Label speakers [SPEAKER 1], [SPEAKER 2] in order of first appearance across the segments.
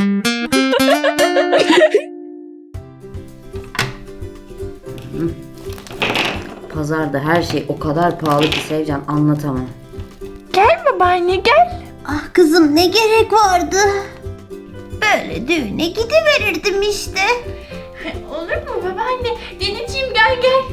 [SPEAKER 1] Pazarda her şey o kadar pahalı ki Sevcan, anlatamam.
[SPEAKER 2] Gel babaanne gel.
[SPEAKER 3] Ah kızım, ne gerek vardı? Böyle düğüne gidiverirdim işte.
[SPEAKER 2] Olur mu babaanne? Deneciğim gel gel.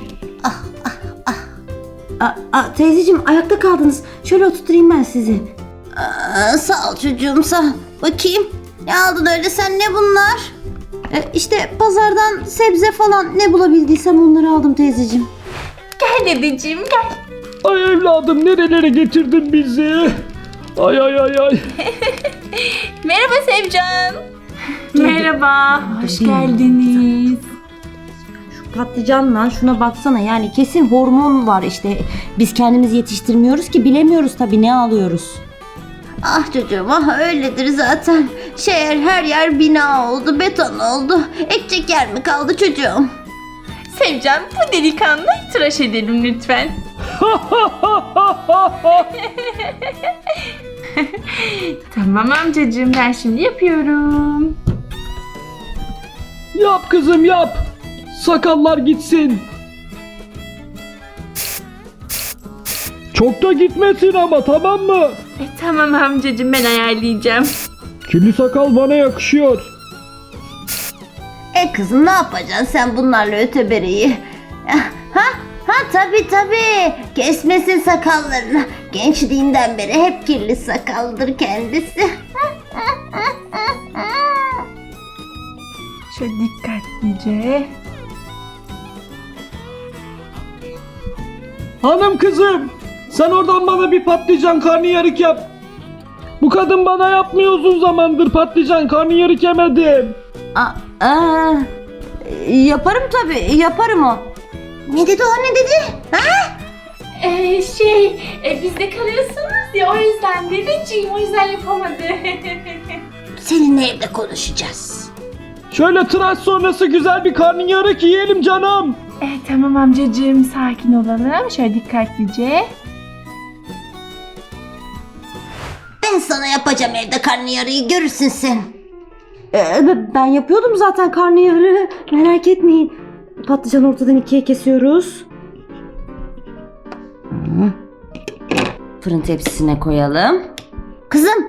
[SPEAKER 1] Teyzeciğim, ayakta kaldınız. Şöyle oturtayım ben sizi.
[SPEAKER 3] Sağ ol çocuğum, sağ ol. Bakayım, ne aldın öyle sen, ne bunlar?
[SPEAKER 1] İşte pazardan sebze falan ne bulabildiysem onları aldım teyzeciğim.
[SPEAKER 2] Gel dedeciğim gel.
[SPEAKER 4] Ay evladım, nerelere getirdin bizi? Ay ay ay ay.
[SPEAKER 2] Merhaba Sevcan. Merhaba. Hoş geldiniz.
[SPEAKER 1] Şu patlıcanla şuna baksana, yani kesin hormon var işte. Biz kendimiz yetiştirmiyoruz ki, bilemiyoruz tabii ne alıyoruz.
[SPEAKER 3] Ah çocuğum, ah öyledir zaten. Her yer bina oldu, beton oldu. Ekecek yer mi kaldı çocuğum?
[SPEAKER 2] Sevcan, bu delikanlıyı tıraş edelim lütfen. Tamam amcacığım, ben şimdi yapıyorum.
[SPEAKER 4] Yap kızım yap. Sakallar gitsin. Çok da gitmesin ama, tamam mı?
[SPEAKER 2] Tamam amcacığım, ben ayarlayacağım.
[SPEAKER 4] Kirli sakal bana yakışıyor.
[SPEAKER 3] Kızım, ne yapacaksın sen bunlarla ötebereyi? Tabii. Kesmesin sakallarını. Gençliğinden beri hep kirli sakaldır kendisi.
[SPEAKER 2] Şöyle dikkatlice.
[SPEAKER 4] Hanım kızım, sen oradan bana bir patlıcan karnıyarık yap. Bu kadın bana yapmıyor uzun zamandır patlıcan karnıyarık yemedim.
[SPEAKER 1] Yaparım tabii, yaparım o.
[SPEAKER 3] Ne dedi o, ne dedi?
[SPEAKER 2] Bizde kalıyorsunuz ya, o yüzden dedeciğim, o yüzden yapamadı.
[SPEAKER 3] Seninle evde konuşacağız.
[SPEAKER 4] Şöyle tıraş sonrası güzel bir karnıyarık yiyelim canım.
[SPEAKER 2] Tamam amcacığım, sakin olalım. Şöyle dikkatlice.
[SPEAKER 3] Ben sana yapacağım evde karnıyarıyı, görürsün sen.
[SPEAKER 1] Ben yapıyordum zaten karnıyarığı, merak etmeyin. Patlıcanı ortadan ikiye kesiyoruz. Fırın tepsisine koyalım.
[SPEAKER 3] Kızım,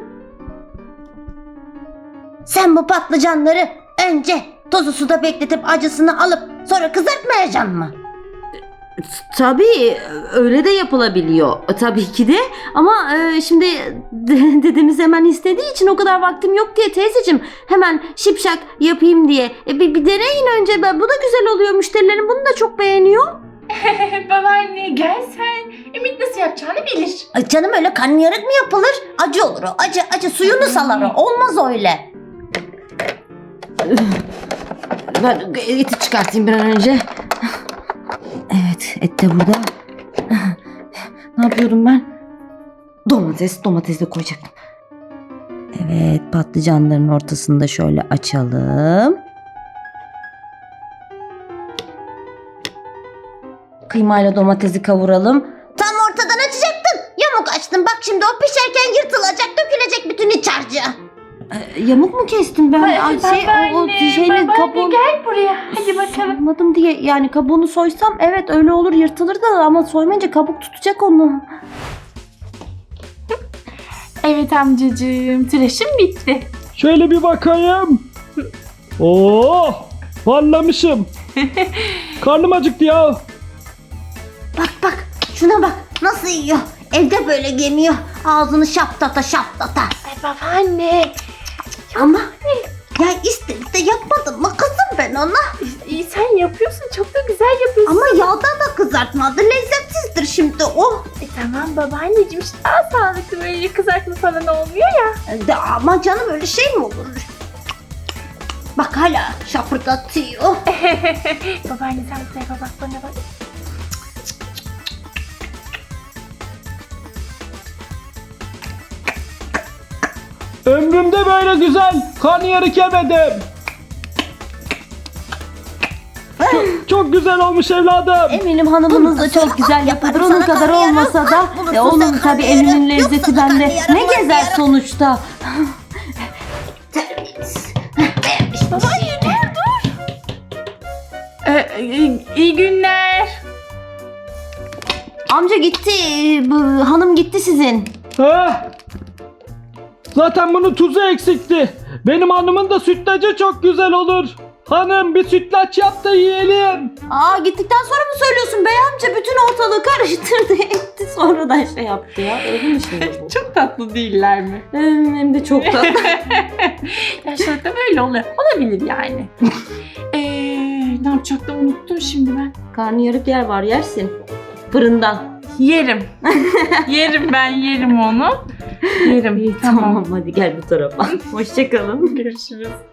[SPEAKER 3] sen bu patlıcanları önce tozu suda bekletip acısını alıp sonra kızartmayacaksın mı?
[SPEAKER 1] Tabii öyle de yapılabiliyor. Tabii ki de ama şimdi dedemiz hemen istediği için o kadar vaktim yok diye teyzeciğim, hemen şipşak yapayım diye. Bir deneyin önce, bu da güzel oluyor. Müşterilerim bunu da çok beğeniyor.
[SPEAKER 2] Babaanne gel sen. Ümit nasıl yapacağını bilir.
[SPEAKER 3] Ay canım, öyle karnıyarık mı yapılır? Acı olur o, acı suyunu salar o. Olmaz öyle.
[SPEAKER 1] Ben eti çıkartayım bir an önce. Evet, et de burada. Ne yapıyorum ben? Domates de koyacaktım. Evet, patlıcanların ortasını da şöyle açalım. Kıymayla domatesi kavuralım.
[SPEAKER 3] Tam ortadan açacaktın. Yamuk açtın. Bak şimdi o pişerken yırtılacak, dökülecek bütün iç harcı.
[SPEAKER 1] Yamuk mu kestim ben?
[SPEAKER 2] Babaanne gel buraya. Hadi bakalım.
[SPEAKER 1] Soymadım diye, yani kabuğunu soysam evet öyle olur, yırtılır da, ama soymayınca kabuk tutacak onu.
[SPEAKER 2] Evet amcacığım, tıraşım bitti.
[SPEAKER 4] Şöyle bir bakayım. Oh, parlamışım. Karnım acıktı ya.
[SPEAKER 3] Bak şuna bak, nasıl yiyor. Evde böyle yemiyor. Ağzını şaptata.
[SPEAKER 2] Ay babaanne.
[SPEAKER 3] Ama ya istedik de yapmadım mı kızım ben ona?
[SPEAKER 2] İyi, sen yapıyorsun, çok da güzel yapıyorsun.
[SPEAKER 3] Ama yağda da kızartmadı. Lezzetsizdir şimdi o.
[SPEAKER 2] Tamam babaanneciğim, işte daha sağlıklı, böyle kızartma falan olmuyor ya.
[SPEAKER 3] Ama canım, öyle şey mi olur? Bak hala şapırdatıyor.
[SPEAKER 2] Babaanne sen bu tarafa bak, bana bak.
[SPEAKER 4] Ömrümde böyle güzel karnıyarık yemedim. Çok güzel olmuş evladım.
[SPEAKER 1] Eminim hanımınız da çok güzel yapıyordur.
[SPEAKER 3] Yaparım
[SPEAKER 1] Onun
[SPEAKER 3] sana
[SPEAKER 1] kadar
[SPEAKER 3] karnıyarık.
[SPEAKER 1] olmasa da
[SPEAKER 3] Bunu sana
[SPEAKER 1] onun tabii elinin
[SPEAKER 3] karnıyarık. Yok
[SPEAKER 1] lezzeti
[SPEAKER 3] sana
[SPEAKER 1] bende.
[SPEAKER 3] karnıyarık,
[SPEAKER 1] Ne gezer
[SPEAKER 3] marnıyarık.
[SPEAKER 1] sonuçta.
[SPEAKER 3] Terbiyesiz.
[SPEAKER 2] iyi günler.
[SPEAKER 1] Amca gitti. Hanım gitti sizin.
[SPEAKER 4] Heh. Zaten bunun tuzu eksikti. Benim hanımın da sütlacı çok güzel olur. Hanım bir sütlaç yap da yiyelim.
[SPEAKER 1] Aa, gittikten sonra mı söylüyorsun bey amca? Bütün ortalığı karıştırdı etti. Sonradan şey yaptı ya. Öyle mi şimdi bu?
[SPEAKER 2] Çok tatlı değiller mi?
[SPEAKER 1] Hem de çok tatlı.
[SPEAKER 2] Yaşlılıkta böyle oluyor. Olabilir yani. Ne yapacaktım unuttum şimdi ben.
[SPEAKER 1] Karnı yarık yer var, yersin. Fırından.
[SPEAKER 2] Yerim. yerim onu. Yerim.
[SPEAKER 1] İyi, tamam hadi gel bu tarafa. Hoşçakalın.
[SPEAKER 2] Görüşürüz.